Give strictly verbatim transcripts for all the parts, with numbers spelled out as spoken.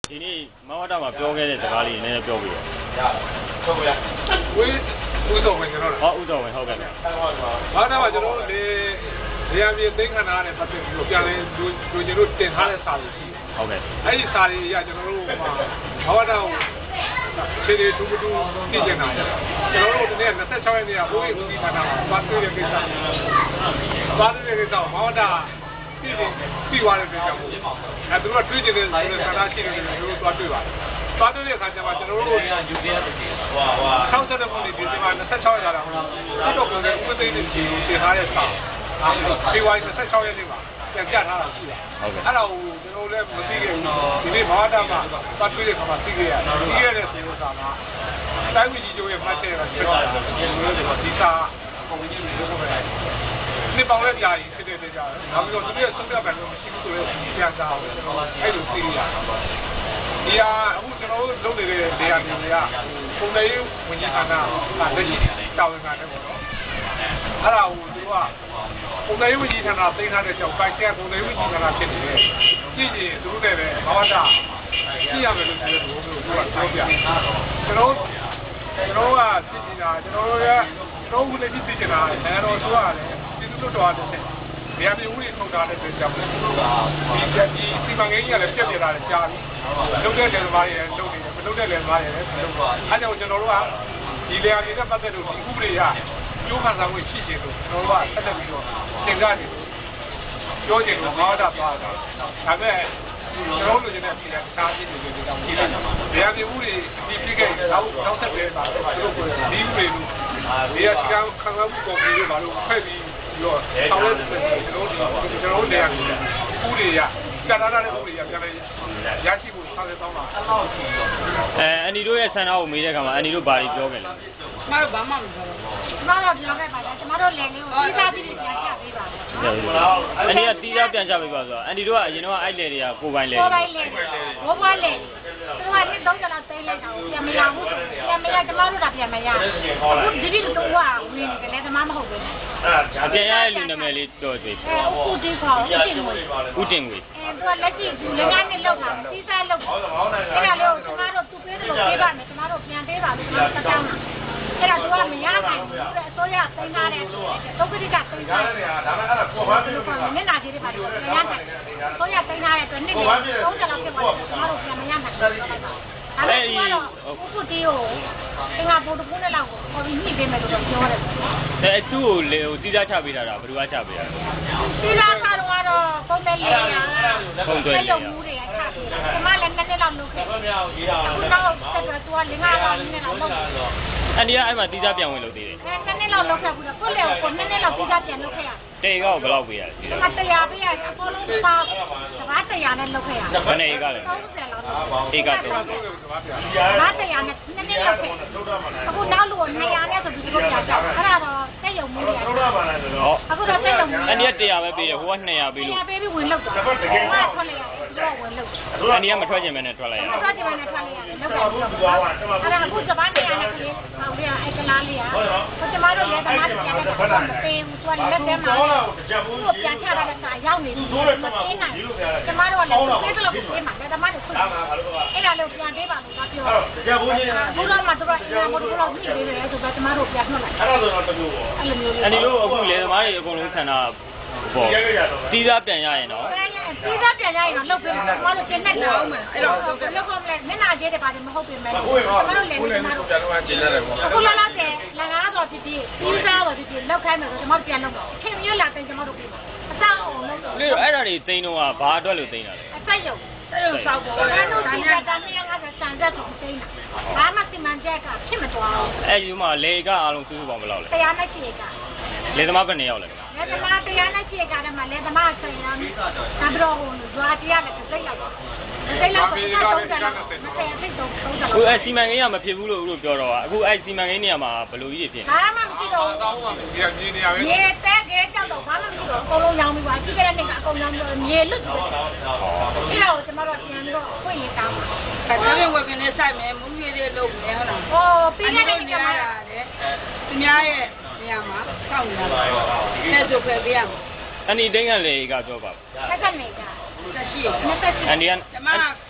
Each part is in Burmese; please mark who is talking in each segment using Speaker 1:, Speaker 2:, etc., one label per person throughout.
Speaker 1: ဒီနေ့မဝတ္တမှာပြောခဲ့တဲ့စကားလေးနည်းနည်းပြောပြပါ
Speaker 2: ဟုတ်ကဲ့ဝေးဦးတော်ဝင်ကျွန်တော်
Speaker 1: ဟုတ်ဦးတော်ဝင်ဟုတ်ကဲ့
Speaker 2: ဘာသာမှာကျွန်တော်တို့လေနေရာမြေသိန်းခန္ဓာနဲ့ပတ်သက်ပြီးတော့ပြန်လဲလူလူကျွန်တော်တင်ထားတဲ့စာတွေရှိ
Speaker 1: ဟုတ်ကဲ့
Speaker 2: အဲ့ဒီစာတွေအရကျွန်တော်တို့ဟိုမှာဘာဝတ္တကိုခြေတွေတူတူသိကျင်တာကျွန်တော်တို့ဒီနေ့နှစ်၆ရက်နေ့ကဘိုးကြီးဦးစီးဌာနမှာသွားတွေ့တဲ့ကိစ္စသွားတွေ့တဲ့ကိစ္စဘာဝတ္တပြီးပြီးသွားတဲ့ကိစ္စကိုအဲသူတို့ကတွေးကျင်တဲ့ဌာနရှိတယ်လို့တို့သွားတွေ့ပါတယ်သွားတွေ့တဲ့အခါကျမှကျွန်တော်တို့ယူပြရတဲ့ဟိုဟာဆောက်တဲ့ပုံတွေဒီမှာနှစ်၆ရက်လာတော့တော့ကိုယ်ကဥပဒေတွေတင်ထားတဲ့စာဒီဝိုင်းနှစ်၆ရက်နေ့မှာပြန်ပြထားတာရှိတယ်ဟုတ်ကဲ့အဲ့ဒါကိုကျွန်တော်လည်းမသိခဲ့ဘူးဒီနေ့ဘာဝတ္တမှာသွားတွေ့တဲ့ခါမှာသိခဲ့ရတယ်သိခဲ့တဲ့ဆိုတော့ကတိုင်းပြည်ကြီးကျိုးရဲ့မှတ်ချက်ကဖြစ်သွားတယ်ဒီစာပုံကြီးတွေလုပ်ခဲ့တယ်ဒီပေါင်းလည်းကြာကြီးဖြစ်တဲ့တေချာနောက်ပြီးတော့သူရဲ့ဆုံးဖြတ်ပိုင်းတော့မရှိဘူးဆိုတော့ပြန်စားအောင်ကျွန်တော်အဲ့လိုသိရတာဒီဟာအခုကျွန်တော်တို့လုပ်နေတဲ့နေရာတွေကပုံစံရေးဝင်ကြီးဌာနကလက်ရှိတာဝန်ခံတယ်ပေါ့နော်အဲ့ဒါကိုသူကပုံစံရေးဝင်ကြီးဌာနသိမ်းထားတဲ့ကြောင့်ပိုင်ကျပုံစံရေးဝင်ကြီးဌာနဖြစ်နေတယ်ကြည့်ရင်သူတို့လည်းပဲဘာဝတ္တကြည့်ရမယ်လို့ပြောတယ်ဘုရားကပြောပြကျွန်တော်ကျွန်တော်ကကြည့်နေတာကျွန်တော်တို့ကကျွန်တော်ကလည်းကြည့်နေတာအဲတော့သူကလည်းဒီလိုတော့တယ်နေရာမျိုးကြီးထုတ်ထားတဲ့အတွက်ကြောင့်ဒီဒီစီမံကိန်းကြီးကလည်းပြက်ပြက်လာတယ်ကြာပြီလုပ်တဲ့လေသမားတွေလည်းလုပ်နေတယ်မလုပ်တဲ့လေသမားတွေလည်းလုပ်သွားအဲကြောင့်ကျွန်တော်တို့ကဒီလေယာဉ်တွေနဲ့ပတ်သက်လို့ဒီဥပဒေရကျိုးခံစားမှုရှိချင်လို့ကျွန်တော်တို့ကဆက်လက်ပြီးတော့သင်္ကန်းတွေပြောချင်လို့ဘာသာသွားတာဒါပေမဲ့ကျွန်တော်တို့လည်းဒီကစားကြည့်နေကြတာကြည့်လိုက်တာလေယာဉ်တွေဥပဒေဒီပြည့်ခဲ့တော့တော့ဆက်ပြီးပါတော့ဒီဥပဒေလို့ဒီအစီအကံခံစားမှုပေါ်ပြီးပါလို့ဖက်ပြီးတော့ဆောင်းလို့ကျွန်တော်တို့ကျွန်တော်တို့နေရာဥပဒေရပြတာတဲ့ဥပဒေရပြန်လဲရရှိဖို့ဆောင်းတဲ့တောင်းတာ
Speaker 1: အဲအန်ဒီတို့ရဲ့ဆန္ဒကိုမေးတဲ့အခါမှာအန်ဒီတို့ဘာတွေပြောခဲ့လဲ
Speaker 3: ကျမတို့ဘာမှမပြောဘူးကျမတို့ပြောခဲ့ပါလားကျမတို့လည်းလေးကိုတီးသားပြီးပြန်ချပေးပါ
Speaker 1: အန်ဒီကတီးသားပြန်ချပေးပါဆိုတော့အန်ဒီတို့ကအရင်တော့အဲ့လေတွေကကိုပိုင်လေ
Speaker 3: ကိုပိုင်လေဘိုးဘွားလေသူကနှစ်သုံးကျော်လောက်သိလိုက်တာကိုပြန်မရဘူးပြန်မရကျမတို့ကပြန်မရအခုဒီဒီတူကဝင်နေတယ်လေကျမမဟုတ်ဘူး
Speaker 1: အပြန်ရတဲ့လူနာမည်လေးတော်သေး
Speaker 3: အဲဥတင်ခေါ်ဥတင်ငွေ
Speaker 1: ဥတင်ငွေ
Speaker 3: အဲသူကလက်ရှိလက်ကနေလောက်တာတီးသားလောက်အဲ့ဒါလို့ကျမတို့သူပေးတယ်လို့ပေးပါမယ်ကျမတို့ပြန်ပေးပါလို့ကျမတို့တောင်းအဲ့ဒါသူကမရနိုင်ဘူးအစိုးရသိမ်းထားတယ်ဒုက္ခတိကသိမ်းထားတယ်ဒါပေမဲ့အဲ့ဒါကိုဘာဖြစ်လို့လဲမျက်နှာကြီးတွေပါလို့မရနိုင်အစိုးရသိမ်းထားတဲ့အတွက်နေ့နေ့သုံးချက်လောက်ဖြစ်သွားတယ်ကျမတို့ပြန်မရနိုင်ဘူးအဲ့ဒီအခုတီးကိုအင်္ဂါဘုဒ္ဓဘုန်းနဲ့လောက်ကိုခေါ်ပြီးညှိပေးမယ်လို့ပြောတယ်
Speaker 1: အဲအတူကိုလေဟိုတီးသားချပေးတာဘယ်သူကချပေးတာ
Speaker 3: တီးသားချတော့ကတော့ပုံမဲ့လေးရပုံမဲ့ရုံမှုတွေကချပေးတာကျမလည်းနှစ်နှစ်လောက်လုပ်ခဲ့အခုတော့ဆက်တော့သူကလင်းကားတော့နည်းနည်းလောက်လုပ်
Speaker 1: အန်ဒီကအဲ့မှာတီးသားပြန်ဝင်လို့သေးတယ်
Speaker 3: အဲနှစ်နှစ်လောက်လုပ်ခဲ့ဘူးတော့ကိုယ့်လေကိုနှစ်နှစ်လောက်တီးသားပြန်လုပ်ခဲ့ရ
Speaker 1: တေကောဘယ်လောက်ပေးရလဲ
Speaker 3: ဒီမှာတရားပေးရအပေါ်လုံးပါစကားတရားနဲ့လုပ်ခဲ့ရ
Speaker 1: ဘယ်နဲ့ဧကလဲဧကတော့
Speaker 3: စကားတရားနဲ့နည်းနည်းလုပ်ခဲ့အခုနောက်လို့နေရာနဲ့ဆိုဒီလိုပြတာအဲ့ဒါတော့တက်ရုံမှုရတယ်
Speaker 1: ဟော
Speaker 3: အခုတော့တက်ရုံမှု
Speaker 1: အန်ဒီကတရားပဲပေးတယ်ဟိုကနှစ်ရာပေးလို့
Speaker 3: တရားပေးပြီးဝင်လုပ်တာဟိုကထွက်လိုက်ရတယ်တော့ဝင်လုပ်
Speaker 1: အန်ဒီကမထွက်ချင်မဲနဲ့ထွက်လိုက်ရတယ်
Speaker 3: မထွက်ချင်မဲနဲ့ထွက်လိုက်ရတယ်လုပ်တယ်အဲ့ဒါအခုစပန်းတရားနဲ့ကလေးဟိုကအဲ့ကလားလေးอ่ะဟိုကျမတို့လည်းတမားတရားနဲ့တော့မပေးဘူးသူကလက်ထဲမှာသူ့ပြန်ချတာလည်းစာရောက်နေတယ်မသိနိုင်ကျမတို့ကလည်းသိတယ်လို့ပြောမှာလည်းတမားတို့ခွင့်အဲ့ဒါလို့ပြန်ပေးပါလို့ပြော
Speaker 2: တရားဘူးချင်း
Speaker 3: ဘုရားမှာတော့အင်္ဂါဘုရားလောက်ကြည့်ပေးတယ်ဆိုတော့ကျမတို့ပြန်ထွက်လိုက်
Speaker 2: အဲ့ဒါဆိုတော့တမျိုးပေါ့
Speaker 3: အဲ့လိုမျိုး
Speaker 1: အန်ဒီတို့အခုလေသမားတွေအကုန်လုံးဆန္ဒပေါ့တီးသားပြန်ရရင်တော့
Speaker 3: တီးသားပြန်ရရင်တော့လုပ်ပေးမှာကျမတို့ပြန်နဲ့လာအောင်မယ်အဲ့တော့လုပ်ဖို့မလဲမျက်နှာကျဲတယ်ပါတယ်မဟုတ်ပြင်မဲ့ကျမတို့လည်းကျမတို့
Speaker 2: ပြန်တော့ကျင်းရတယ်ပေါ့
Speaker 3: အခုလာလာတယ်လကားတော့ဖြစ်ဖြစ်တီးသားတော့ဖြစ်ဖြစ်လောက်ခိုင်းမယ်ဆိုကျမတို့ပြန်လုပ်တော့ခင်မျိုးလာတင်ကျမတို့ပြင်အဆောက်အောင်လုပ်တော့
Speaker 1: လေအဲ့ဒါတွေသိန်းတော့ဘာအတွက်လို့သိန်းတာလဲ
Speaker 3: အဆက်ရုံအဲ့လိုစောက်ပေါ်တယ်။ဒါနဲ့ဒီကတည်းကစံသက်ကိုသိနေတာ။ဘာမှစီမံချက်ကဖြစ်မသွားဘူး
Speaker 1: ။အဲ့ဒီမှာလေကအားလုံးစုစုပေါင်းဘယ်လောက်လဲ
Speaker 3: ။တရားနဲ့ချေက
Speaker 1: လေသမားဘယ်နှစ်ယောက်လဲ
Speaker 3: ။လေသမားတရားနဲ့ချေကတည်းကလေသမားဆယ်ယောက်။ဒါပြီးတော့ဟိုဇွာတရားလည်းသိလိုက်တော့။သိလိုက်တော့သုံးတယ်လို့သိသိတော့သုံးတယ်
Speaker 1: လို့။အခုအဲ့စီမံကိန်းကမဖြစ်ဘူးလို့ဦးတို့ပြောတော့อ่ะအခုအဲ့စီမံကိန်းနေရာမှာဘယ်လိုကြီးဖြစ်
Speaker 3: လဲ။ဘာမှမဖြစ်တော့ဘူး
Speaker 2: ။ဒီကမြေနေရာပဲ
Speaker 3: ။မြေတက်ခဲကြောက်တော့ဘာမှမဖြစ်တော့အကုန်လုံးရောင်းပြီးပါကြည့်ကြတဲ့နေ့ကအကုန်ရောင်းပြီးမြေလွတ်တယ်။အဲ့ဒါကိုကျမတို့ပြန်တော့ဖွင့်ရတောင်းပါ
Speaker 4: ။အဲ့ဒါလည်းဝယ်ကနေစိုက်မယ်မုန်းရည်တွေလုပ်မယ်ဟုတ်လား
Speaker 3: ။ဟောပြီးခဲ့တဲ့နေ့ကမှ
Speaker 4: ရတယ်။သူများရဲ့နေရာမှာစောင့်နေတာ။အဲ့ဒါဆိုဖယ်ပေးရမှာ
Speaker 1: ။အန်ဒီတင်းကလေကပြောပါ
Speaker 3: ။ဆက်ကနေက
Speaker 4: တက်ရှိ
Speaker 3: ။နှစ်သက်ရှိ
Speaker 1: ။အန်ဒီက
Speaker 4: ကျမ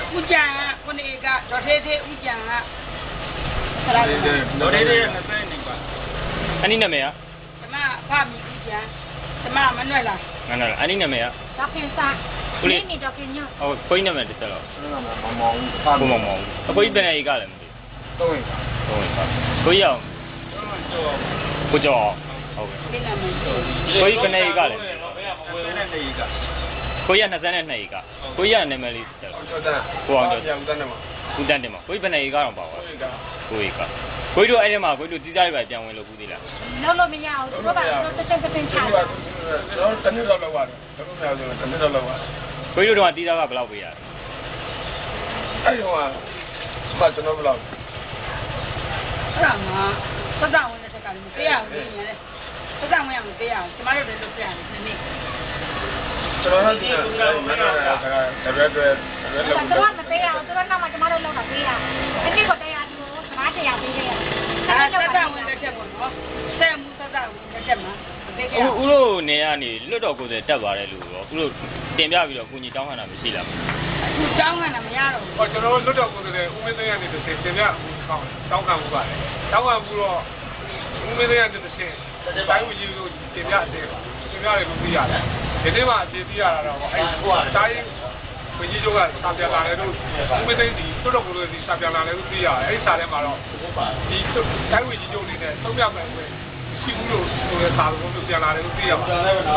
Speaker 4: ဦးကျန်ကခုနှစ်ကဒေါ်သေးသေးဦးကျန်ကဆရာတော်ဒေါ်သေးသေးနှစ်ဆယ်နေပါ
Speaker 1: အနည်းနာမည်က
Speaker 4: ကျမဖမီဦးကျန်ကျမမနှွဲ့လား
Speaker 1: ငါနာအနည်းနာမည်က
Speaker 3: ဒေါက်ခင်စာဒီနေ့ဒေါက်ခင်ညော
Speaker 1: ဟိုကိုင်းနာမည်တစ်ချက်တော့
Speaker 2: မောင်မောင်
Speaker 1: ကိုမောင်မောင်အကိုကြီးပြန်နေကလည်းမသိ
Speaker 2: တော့ဝင်ပါ
Speaker 1: ဟုတ်ပါကိုကြီးအောင်ကိုကျော်ဟုတ်ကဲ့
Speaker 4: ဒီနာမည်ကို
Speaker 1: ကိုကြီးပြန်နေကလည်း
Speaker 2: ဝင်နေနေက
Speaker 1: ကိုကြီးကနှစ်နှစ်ကကိုကြီးကနာမည်လေးတစ်ချက်
Speaker 2: ကျော်တာ
Speaker 1: ကိုအောင်ကျော်
Speaker 2: ကျော်တယ်မှာ
Speaker 1: ဦးတန်းတင်မှာကိုကြီးပြန်နေကတော့ပါပါကိုကြီးကကိုကြီးတို့အဲ့ဒီမှာကိုကြီးတို့တီးသားတွေပဲပြန်ဝင်လို့ဘူးသေးလား
Speaker 3: လုံးလို့မရအောင်သူတို့ကတော့တစ်ချက်တစ်ချက်ချတာ
Speaker 2: ကျွန်တော်တနည်းတော့လောက်ပါတယ်ဘယ်လိုမျိုးဆိုတနည်းတော့လောက်ပါတယ်
Speaker 1: ကိုကြီးတို့ကတီးသားကဘယ်လောက်ပေးရလဲ
Speaker 2: အဲ့ဒီဟိုကမှကျွန်တော်ဘယ်လောက်
Speaker 4: အဲ့ဒါမှသဒ္ဒဝင်တဲ့တက်ကလည်းမပေးရဘူးလေသဒ္ဒဝင်ရမပေးရဘူးကျမတို့လည်းလုပ်ပြရတယ်ဒီနေ့
Speaker 2: ကျွန်တော်တို့ကမနာတာကတရက်တရက်တရက်
Speaker 3: သူ
Speaker 2: လောက်
Speaker 3: တို့ကမပေးရအောင်သူတို့နောက်မှကျမတို့လောက်တာပေးရအနည်းကတရားဒီကိုစကားတရားပေးခဲ့ရ
Speaker 4: အဲ့သဒ္ဒဝင်တဲ့ချက်ပေါ့နော်ဆဲမှုသဒ္ဒဝင်တဲ့ချက်မှာပေးခဲ့ရ
Speaker 1: ဦးဦးတို့နေကနေလွတ်တော်ကိုယ်စားတက်ပါတယ်လို့ရောဦးတို့တင်ပြပြီးတော့ကိုကြီးတောင်းခံတာမရှိလား
Speaker 4: အခုတောင်းခံတာမရတော့
Speaker 2: ဟောကျွန်တော်တို့လွတ်တော်ကိုယ်စားဦးမင်းသိန်းကနေတစ်ဆင့်တင်ပြကောင်းတောင်းခံမှုပါတယ်တောင်းခံမှုတော့ဦးမင်းသိန်းကနေတစ်ဆင့်တိုင်းဝင်ကြီးကိုတင်ပြအသေးပါတင်ပြတယ်လို့သိရတယ်ဒီနေ့မှအပြေးပြရတာတော့အဲ့ဟိုတိုင်းဝင်ကြီးတို့ကစာပြလာတယ်လို့ဦးမင်းသိန်းဒီလွတ်တော်ကိုယ်စားဒီစာပြလာတယ်လို့သိရတယ်အဲ့ဒီစာထဲမှာတော့ဒီတိုင်းဝင်ကြီးတို့နေနဲ့သုံးပြမယ်ဆိုရင်ရှိဘူးလို့ဆိုတဲ့စာလုံးကိုပြန်လာတယ်လို့သိရပါတယ်
Speaker 1: ဦး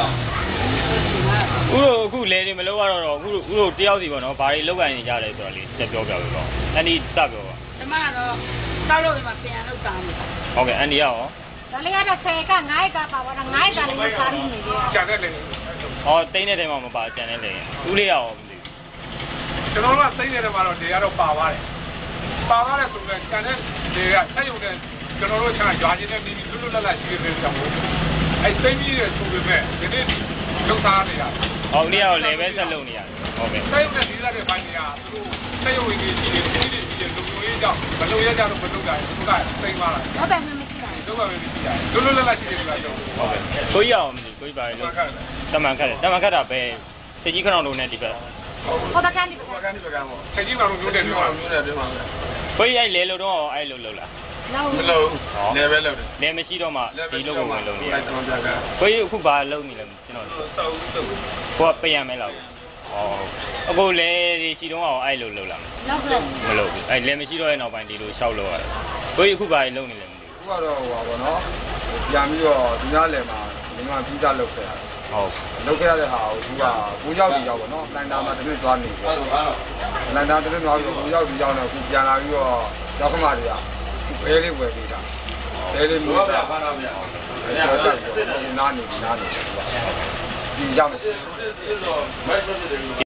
Speaker 1: တို့အခုလဲနေမလို့ကတော့ဦးတို့ဦးတို့တယောက်စီပေါ့နော်ဘာတွေလောက်ကန်နေကြလဲဆိုတော့လေတက်ပြောပြပေးပါအန်ဒီစပြောပါ
Speaker 4: ကျမကတော့တောက်လို့ဒီမှာပြန်လောက်တာနေ
Speaker 1: ဟုတ်ကဲ့အန်ဒီရော
Speaker 3: ဒါလေးကတော့ဆယ်ကငါးကပါပါတော့ငါးကလည်းမစားဘူးနေကြ
Speaker 2: ကျန်တဲ့လေ
Speaker 1: ဟောတိန်းတဲ့တိုင်မှာမပါကြံနေလေဦးလေးရောမသိ
Speaker 2: ကျွန်တော်တို့ကသိနေတယ်မှာတော့နေရာတော့ပါပါတယ်ပါပါတယ်ဆိုတော့ကျန်တဲ့နေရာဆက်ရုံနဲ့ကျွန်တော်တို့ချာရွာချင်းနဲ့ပြီးပြီးလွတ်လွတ်လပ်လပ်ရှိနေတယ်ကြောင့်အဲ့သိပြီးရဆိုပေမဲ့ဒီနေ့လုံသားနေရ
Speaker 1: ဟောဦးလေးရောလည်းပဲဆက်လုပ်နေရတယ်ဟုတ်ကဲ့
Speaker 2: ဆက်ရုံနဲ့ဒီစားတဲ့ဘိုင်းတွေကသူတို့ဆက်ရုံကြီးကြီးကြီးကြီးကြီးကြီးလုံလုံရေးကြောင့်မလုံရကြတော့မလုံကြဘူးသူကသိမ်းသွားတာ
Speaker 3: တော့ပဲမမရှိတာ
Speaker 2: တော့ပဲမရှိရတယ်လွတ်လွတ်လပ်လပ်ရှိနေတယ်ကြောင့်
Speaker 1: ဟုတ်ကဲ့ကိုကြီးရောမသိကိုကြီးပါလေလို့တမန်ခတ်တယ်တမန်ခတ်တာပဲစကြီးခဏလုံးနဲ့ဒီဘက်
Speaker 3: ဟောတာကန်ဒီ
Speaker 2: ဘာကန်ဒီဘကန်ပေါ့ဆက်ကြီးမှလို့မျိုးတယ်ပြောမျိုးတယ်ပြောမှာပဲ
Speaker 1: ကိုကြီးအဲ့လဲလို့တော့အဲ့လိုလုပ်လား
Speaker 3: လောက်
Speaker 2: မလို့နေပဲလုပ်တယ်
Speaker 1: လဲမရှိတော့မှဒီလုပ်ကိုဝင်လုပ်နေရ
Speaker 2: အဲ့တော့ကြာက
Speaker 1: ကိုကြီးအခုဘာလုပ်နေလဲကျွန်တော်
Speaker 2: စောက်စောက်
Speaker 1: ကိုကပြန်ရမယ်လားဟောအခုလဲဒီစီတုံးအောင်အဲ့လိုလုပ်လာ
Speaker 3: လောက်တော့
Speaker 1: မလုပ်ဘူးအဲ့လဲမရှိတော့ရဲ့နောက်ပိုင်းဒီလိုရှောက်လို့ရတယ်ကိုကြီးအခုဘာလုပ်နေလဲမသိ
Speaker 2: ခုကတော့ဟိုပါဘောနော်ပြန်ပြီးတော့ဒီနားလယ်မှာဒီမှာပြီးသားလုပ်ခဲ့တာ
Speaker 1: ဟုတ်
Speaker 2: လုပ်ခဲ့ရတဲ့ဟာကိုသူကကိုရောက်ပြီးရောက်ပေါ့နော်လန်တာမှာတနည်းသွားနေတယ်လန်တာတနည်းသွားပြီးကိုရောက်ပြီးရောက်တော့ခုပြန်လာပြီးတော့ရောက်ခမတွေကအဲလေးဝယ်ပေးတာအဲလေးမျိုးတာဖားတော့ဗျာအဲ့ဒါနားနေနားနေဒီရောက်
Speaker 1: ဒီ